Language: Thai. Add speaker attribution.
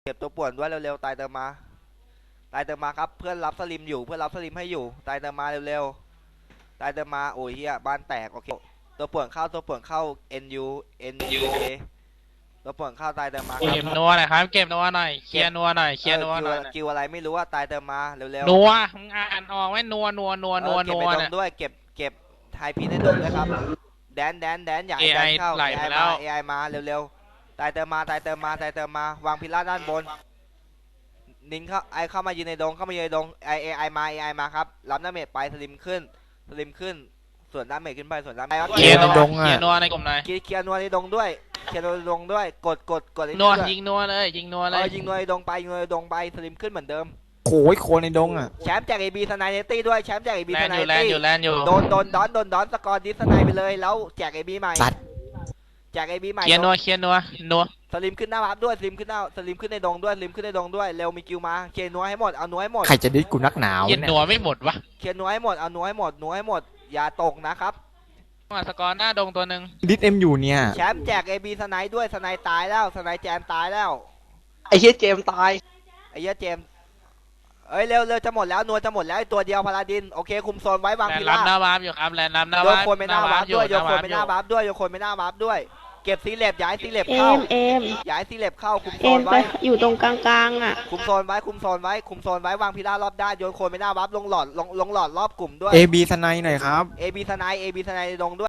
Speaker 1: ก็บตัวป่วนด้วยเร็วๆตายเติมมาตายเติมมาครับเพื่อนรับสลิมอยู่เพื่อนรับสลิมให้อยู่ตายเติมมาเร็วๆตายเติมมาโอ้ยเฮียบ้านแตกโอเคตัวป่วนเข้าตัวป่วนเข้า NU NUK ตัวป่วนเข้าตายเติมมาครั
Speaker 2: เก็
Speaker 1: บบ
Speaker 2: นัวหน่อยครับเก็บนัวหน่อยเคลียร์นัวหน่อยเคลียร์นัวหน่อย
Speaker 1: คิวอะไรไม่รู้ว่าตายเติมมาเร็วๆ
Speaker 2: นัวมึงอ่านออกไหมนัวนัวนัวนัว
Speaker 1: เก็บ
Speaker 2: นัว
Speaker 1: ไปด
Speaker 2: เนี่
Speaker 1: ง
Speaker 2: ย
Speaker 1: ด้วยเก็บไทยพีในดงด้วยครับแดนอย่าให้แดน
Speaker 2: AI
Speaker 1: เข้า
Speaker 2: ไหลไปแล้ว
Speaker 1: AI มาเร็วๆตายเติมมาตายเติมมาวางพิลาด้านบนนินเข้ามายืนในดงAI มาครับรับดาเมจไปสลิมขึ้นส่วนดาเมจขึ้นไปส่วนดาเมจ
Speaker 2: เคลียร์นัวเคลียร์นัวในกลุ่มหน่อย
Speaker 1: เคลียร์นัวในดงด้วยเคลียร์นัวในดงด้วยกดไอ้
Speaker 2: นัว
Speaker 1: ด้วย
Speaker 2: ยิงนัวเลยยิงนัวเลย
Speaker 1: ยิงนัวในดงไปสลิมขึ้นเหมือนเดิม
Speaker 3: โอ้ยโคนในดงอ่ะ
Speaker 1: แชมป์จาก AB สไนเนตี้ด้วยแชมป์จาก AB
Speaker 2: แล
Speaker 1: ส
Speaker 2: น
Speaker 1: ไน
Speaker 2: อยู่
Speaker 1: เน
Speaker 2: แลน
Speaker 1: ตี้
Speaker 2: อยู่แลนอยู่
Speaker 1: โดนดอนสกอร์ดิสไนไปเลยแล้วแจก AB ใหม่
Speaker 3: สัตว์
Speaker 1: แจก AB ใหม่
Speaker 2: เคลียร์นัว
Speaker 1: สลิมขึ้นหน้าวับด้วยสลิมขึ้นในดงด้วยเร็วมีคิวมาเคลียร์นัวให้หมดเอานัวให้หมด
Speaker 3: ใครจะดิสกูนักหนาว
Speaker 2: เคลียร์
Speaker 3: เนี่ย
Speaker 2: นัวไม่หมดวะ
Speaker 1: เคลียร์นัวให้หมดเอานัวให้หมดอย่าตกนะครับ
Speaker 2: มาสกอร์หน้าดงตัวหนึ่ง
Speaker 3: ดิสเอ็มอยู่เนี่ย
Speaker 1: แชมป์แจก AB สไนด้วยสไนตายแล้วสไนแจมตายแล้ว
Speaker 4: ไอ้เฮียเจมส์ตาย
Speaker 1: ไอ้เหี้ยเจมส์เอ้ยเร็วจะหมดแล้วนัวจะหมดแล้วไอ้ตัวเดียวพาราดินโอเคคุมโซนไว้วาง
Speaker 2: แลน
Speaker 1: พิ
Speaker 2: รั
Speaker 1: ลา
Speaker 2: บหน้าวาร์ปอยู่ครับแลนรับหน้า
Speaker 1: โยว
Speaker 2: าน ร์ป
Speaker 1: คนไปหน้าวาร์ปด้วยโยนคนไปหน้า
Speaker 2: ร์ป
Speaker 1: วาร์ปด้วยโยนคนไปหน้าวาร์ปด้วยเก็บซีเล็บย้ายซีเล็บ
Speaker 5: เอ
Speaker 1: เข้าม
Speaker 5: เอม
Speaker 1: ย้ายซีเล็บเข้าคุมโซ
Speaker 5: เอ็
Speaker 1: น
Speaker 5: มไป
Speaker 1: ไว้
Speaker 5: อยู่ตรงกลางๆอ่ะ
Speaker 1: คุมโซนไว้วางพิลารอบด้านโยนโคนไปหน้าวับลงหลอดรอบกลุ่มด้วย
Speaker 3: เอบีสไนหน่อยครับ
Speaker 1: AB สไนในดงด้วย